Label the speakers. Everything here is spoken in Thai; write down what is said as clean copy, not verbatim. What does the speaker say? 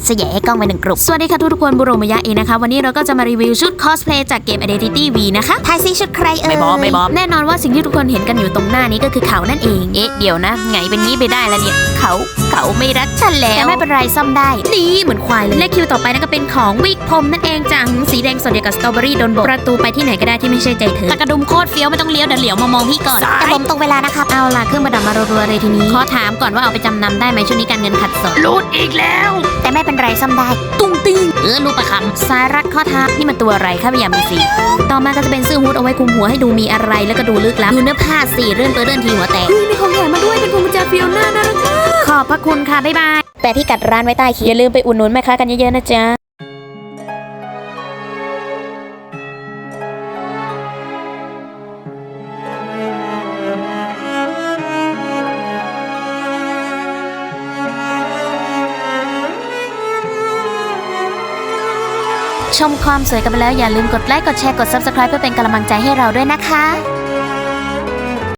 Speaker 1: จะแย่ให้กล้องไป1 กลุ่มสวัสดีค่ะทุกคนบุโรมายะเองนะคะวันนี้เราก็จะมารีวิวชุดคอสเพลย์จากเกม Identity V นะคะทายซิชุดใครไม่บอกแน่นอนว่าสิ่งที่ทุกคนเห็นกันอยู่ตรงหน้านี้ก็คือเขานั่นเองเดี๋ยวนะไงเป็นงี้ไปได้แล้วเนี่ยเขาไม่รักฉันแล้วแต่ไม่เป็นไรซ่อมได้นี่เหมือนควายเลยและคิวต่อไปนั่นก็เป็นของวิกผมนั่นเองจังสีแดงสดเดียวกับสตรอเบอรี่โดนบดประตูไปที่ไหนก็ได้ที่ไม่ใช่ใจเธอตะกระดุมโคตรเฟี้ยวไม่ต้องเลี้ยวเดี๋ยวเหลียวมามองพี่ก่อนแต่ผมตรงเวลานะครับเอาล่ะเครื่องประดับมารัวๆเลยทีนี้ขอถามก่อนว่าเอาไปจำนำได้ไหมช่วงนี้การเงินขัดสนรูดอีกแล้วแต่ไม่เป็นไรซ่อมได้ตุ้งติ้งรูปประคำสายรัดข้อเท้านี่มันตัวอะไรข้าไม่อยากมีสีต่อมาก็จะเป็นเสื้อฮู้ดเอาไว้คลุมหัวให้ดูมีอะไรแล้วก็ดูลึกลับดูเนื้อผ้าสีเรื่อนทีหัวแตกมีของแถมมาด้วยเป็นพวงกุญแจฟิโอน่าน่ารักขอบพระคุณค่ะบ๊ายบายแต่พี่กัดร้านไว้ใต้คลิปอย่าลืมไปอุดหนุนแม่ค้ากันเยอะๆนะจ๊ะชมความสวยกันไปแล้วอย่าลืมกดไลค์กดแชร์กด Subscribe เพื่อเป็นกำลังใจให้เราด้วยนะคะ